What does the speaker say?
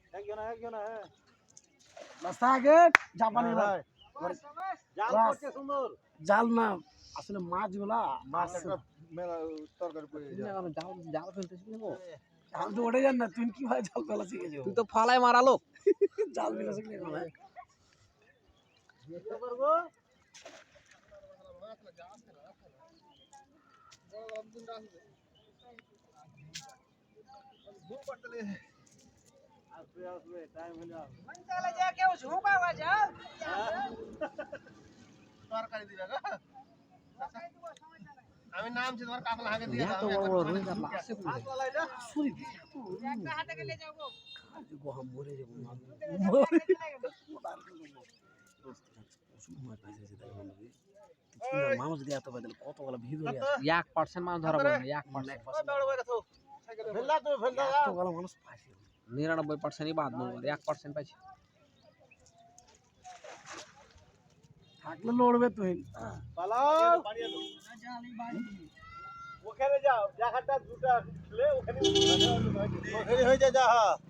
রাস্তা আগে জাপানি ভাই জাল করছে সুন্দর জাল না আসলে মাছগুলা মাছ একটা মেলা তরকারি করে জাল জাল ফেলতেছিস না গো? জাল তো ওঠে যান না তুই কি ভাই জাল ফেলা শিখেছো তুই তো ফালায় মারা লোক। জাল ফেলা শিখলে ভাই দেখতে পারবো আসবে টাইম হলে তরকারি দিবে গো আমি নামছি তোমার কাকলা হাগে দিয়ে এত বড় বড় রুই কাতলা আছে কোথায়? কাকলা সুরি একটা হাতে গেলে যাবো গোহা মরে যাবো না মানুষ দিয়ে এত বাদল কত বলা ভিড় হয়ে আছে 1% মাছ ধরা পড়ে না 1%। বড় বড় গেছো ফেললা তো ফেললা এত বলা মানুষ পাইছে 99%ই বাদ মনে করে 1% পাইছে। থাকলে লড়বে তুই পালাও ওখানে যাও জায়গাটা দুটা খুলে ওখানে হয়ে যায় যা